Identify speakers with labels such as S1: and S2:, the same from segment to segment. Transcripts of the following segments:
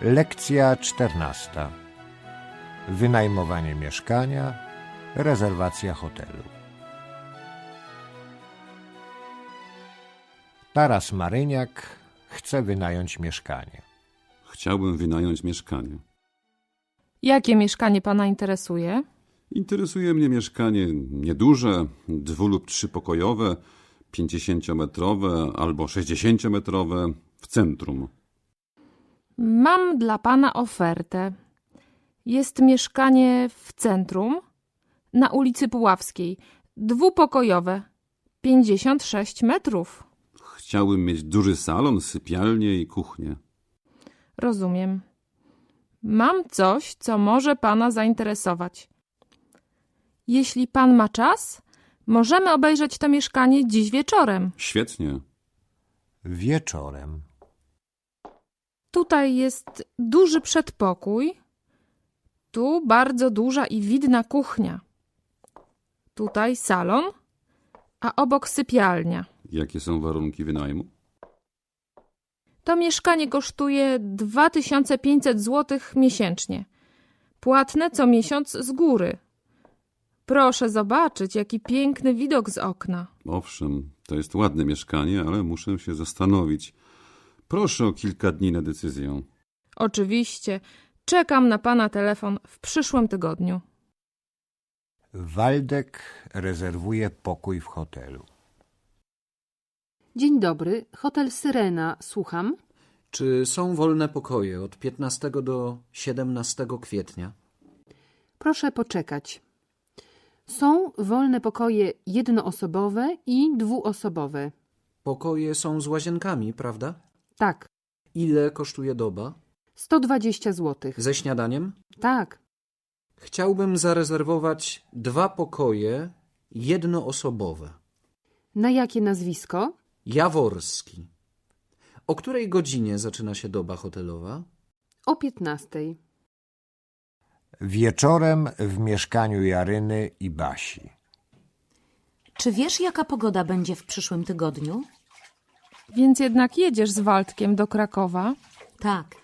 S1: Lekcja 14. Wynajmowanie mieszkania, rezerwacja hotelu. Taras Maryniak chce wynająć mieszkanie.
S2: Chciałbym wynająć mieszkanie.
S3: Jakie mieszkanie pana interesuje?
S2: Interesuje mnie mieszkanie nieduże, 2- lub 3-pokojowe, 50-metrowe albo 60-metrowe w centrum.
S3: Mam dla pana ofertę. Jest mieszkanie w centrum, na ulicy Puławskiej, 2-pokojowe, 56 metrów.
S2: Chciałbym mieć duży salon, sypialnię i kuchnię.
S3: Rozumiem. Mam coś, co może pana zainteresować. Jeśli pan ma czas, możemy obejrzeć to mieszkanie dziś wieczorem.
S2: Świetnie.
S1: Wieczorem.
S3: Tutaj jest duży przedpokój, tu bardzo duża i widna kuchnia. Tutaj salon, a obok sypialnia.
S2: Jakie są warunki wynajmu?
S3: To mieszkanie kosztuje 2500 zł miesięcznie. Płatne co miesiąc z góry. Proszę zobaczyć, jaki piękny widok z okna.
S2: Owszem, to jest ładne mieszkanie, ale muszę się zastanowić. Proszę o kilka dni na decyzję.
S3: Oczywiście, czekam na pana telefon w przyszłym tygodniu.
S1: Waldek rezerwuje pokój w hotelu.
S4: Dzień dobry, hotel Syrena, słucham.
S5: Czy są wolne pokoje od 15 do 17 kwietnia?
S4: Proszę poczekać. Są wolne pokoje jednoosobowe i 2-osobowe.
S5: Pokoje są z łazienkami, prawda?
S4: Tak,
S5: Ile kosztuje doba?
S4: 120 zł.
S5: Ze śniadaniem?
S4: Tak,
S5: Chciałbym zarezerwować 2 pokoje jednoosobowe.
S4: na jakie nazwisko?
S5: Jaworski. O której godzinie zaczyna się doba hotelowa?
S4: O 15.
S1: Wieczorem w mieszkaniu Jaryny i Basi.
S6: Czy wiesz, jaka pogoda będzie w przyszłym tygodniu?
S3: Więc jednak jedziesz z Waldkiem do Krakowa?
S6: Tak.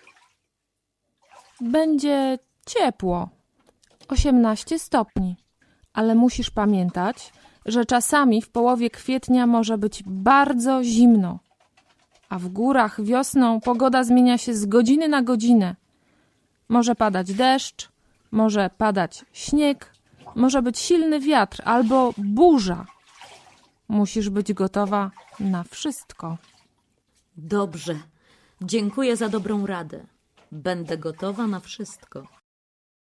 S3: Będzie ciepło, 18 stopni. Ale musisz pamiętać, że czasami w połowie kwietnia może być bardzo zimno. A w górach wiosną pogoda zmienia się z godziny na godzinę. Może padać deszcz, może padać śnieg, może być silny wiatr albo burza. Musisz być gotowa na wszystko.
S6: Dobrze. Dziękuję za dobrą radę. Będę gotowa na wszystko.